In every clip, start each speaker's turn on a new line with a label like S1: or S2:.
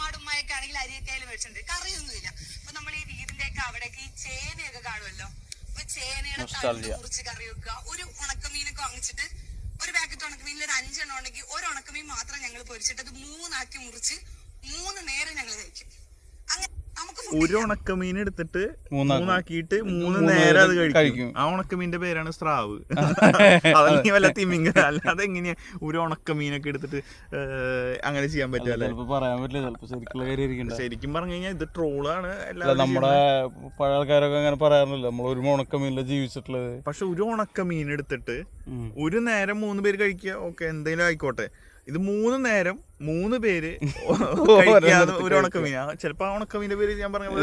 S1: ഉമ്മാടുമ്മയൊക്കെ ആണെങ്കിൽ അരിയൊക്കെ മേടിച്ചിട്ടുണ്ട്, കറിയൊന്നുമില്ല. അപ്പൊ നമ്മൾ ഈ വീടിന്റെ ഒക്കെ അവിടേക്ക് ഈ ചേനയൊക്കെ കാണുമല്ലോ, അപ്പൊ ചേനയുടെ തണ്ട് മുറിച്ച് കറി വെക്കുക. ഒരു ഉണക്കമീനൊക്കെ വാങ്ങിച്ചിട്ട് ഒരു പാക്കറ്റ് ഉണക്കമീനിൽ ഒരു 5 എണ്ണം ഉണ്ടെങ്കിൽ ഒരു ഉണക്കമീൻ മാത്രം ഞങ്ങൾ പൊരിച്ചിട്ട് അത് 3 ആക്കി മുറിച്ച് 3 നേരം ഞങ്ങൾ കഴിക്കും. അങ്ങനെ
S2: ഒരു ഉണക്കമീൻ എടുത്തിട്ട് 3 ആക്കിയിട്ട് 3 നേരം അത് കഴിക്കും. ആ ഉണക്കമീന്റെ പേരാണ് സ്രാവ്. അതല്ലെങ്കിൽ വല്ല തിമിംഗല. അല്ലാതെ എങ്ങനെയാ ഒരു ഉണക്കമീനൊക്കെ എടുത്തിട്ട് അങ്ങനെ ചെയ്യാൻ പറ്റുമല്ലേ?
S3: പറയാൻ പറ്റില്ല.
S2: ശരിക്കും പറഞ്ഞു കഴിഞ്ഞാൽ ഇത് ട്രോളാണ്.
S3: നമ്മുടെ പഴയ ആൾക്കാരൊക്കെ അങ്ങനെ പറയാറില്ല, നമ്മൾ ഒരു ഉണക്കമീനില ജീവിച്ചിട്ടുള്ളത്.
S2: പക്ഷെ ഒരു ഉണക്കമീൻ എടുത്തിട്ട് ഒരു നേരം 3 പേര് കഴിക്കുക, ഓക്കെ എന്തെങ്കിലും ആയിക്കോട്ടെ. ഇത് 3 നേരം 3 പേര് കഴിക്കാതെ ഒരു ഉണക്കമീനാ. ചിലപ്പോ ആ ഉണക്കമീന്റെ പേര് ഞാൻ പറഞ്ഞ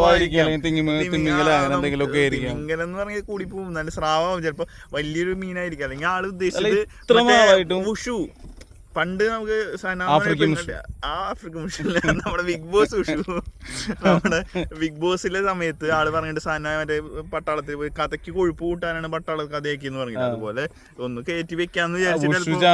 S2: തിമിംഗലം എന്ന് പറഞ്ഞാൽ കൂടി പോകും. നല്ല സ്രാവാകും, ചിലപ്പോ വലിയൊരു മീനായിരിക്കും. അല്ലെങ്കിൽ ആള് ഉദ്ദേശിച്ചത് ഉഷു. പണ്ട് നമുക്ക് ആഫ്രിക്കൻ മുഷില്ല, നമ്മുടെ ബിഗ് ബോസ് ഉഷു, നമ്മുടെ ബിഗ് ബോസിലെ സമയത്ത് ആള് പറഞ്ഞിട്ട് സന മറ്റേ പട്ടാളത്തിൽ പോയി കഥയ്ക്ക് കൊഴുപ്പ് കൂട്ടാനാണ് പട്ടാള കഥയാക്കി എന്ന് പറഞ്ഞത്. അതുപോലെ ഒന്ന് കയറ്റി വെക്കാന്ന് വിചാരിച്ചിട്ട്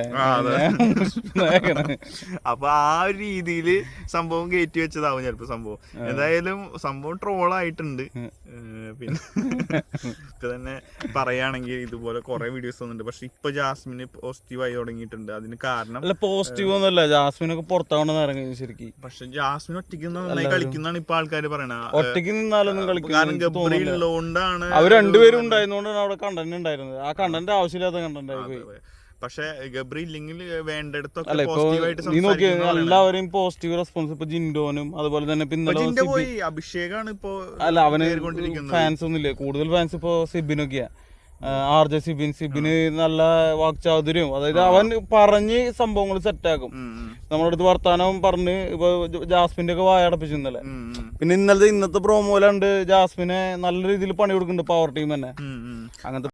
S2: അപ്പൊ ആ ഒരു രീതിയില് സംഭവം കയറ്റി വെച്ചതാവും ചിലപ്പോ സംഭവം. എന്തായാലും സംഭവം ട്രോളായിട്ടുണ്ട്. പിന്നെ ഇപ്പൊ തന്നെ പറയുകയാണെങ്കിൽ ഇതുപോലെ കുറെ വീഡിയോസ് വന്നിട്ടുണ്ട്. പക്ഷെ ഇപ്പൊ ജാസ്മിന് പോസിറ്റീവായി തുടങ്ങിയിട്ടുണ്ട്. അതിന് കാരണം
S3: പോസിറ്റീവ് ഒന്നുമല്ല, ജാസ്മിനൊക്കെ പുറത്താവണം ഇറങ്ങി ശരിക്കും.
S2: പക്ഷെ ജാസ്മിൻ ഒറ്റയ്ക്ക് നന്നായി കളിക്കുന്നതാണ് ഇപ്പൊ ആൾക്കാർ പറയണത്.
S3: ഒറ്റയ്ക്ക് നിന്നാലൊന്നും കളിക്കും,
S2: കാരണം ഗബ്രി ഉള്ളതുകൊണ്ടാണ്.
S3: അവർ രണ്ടുപേരും ഉണ്ടായിരുന്നോണ്ടാണ് അവിടെ കണ്ടന്റ് ഉണ്ടായിരുന്നത്. ആ കണ്ടന്റ് ആവശ്യമില്ലാത്ത കണ്ടന്റ് ആയി പോയി.
S2: പക്ഷെ ഗബ്രി ഇല്ലെങ്കിൽ വേണ്ടിടത്തൊക്കെ
S3: എല്ലാവരെയും പോസിറ്റീവ് റെസ്പോൺസ്. ഇപ്പൊ ജിൻഡോനും അതുപോലെ തന്നെ
S2: അഭിഷേകാണ് ഇപ്പൊ.
S3: അല്ല, അവന് ഫാൻസ് ഒന്നുമില്ല, കൂടുതൽ ഫാൻസ് ഇപ്പൊ സിബിനൊക്കെയാ. RJ സിബിന് നല്ല വാക്ചാതുര്യം, അതായത് അവൻ പറഞ്ഞ് സംഭവങ്ങൾ സെറ്റാക്കും. നമ്മുടെ അടുത്ത് വർത്താനം പറഞ്ഞ് ഇപ്പൊ ജാസ്മിന്റെ ഒക്കെ വായടപ്പിച്ചു ഇന്നലെ. പിന്നെ ഇന്നത്തെ പ്രോമോയിലുണ്ട് ജാസ്മിനെ നല്ല രീതിയിൽ പണി കൊടുക്കുന്നുണ്ട് പവർ ടീം തന്നെ. അങ്ങനത്തെ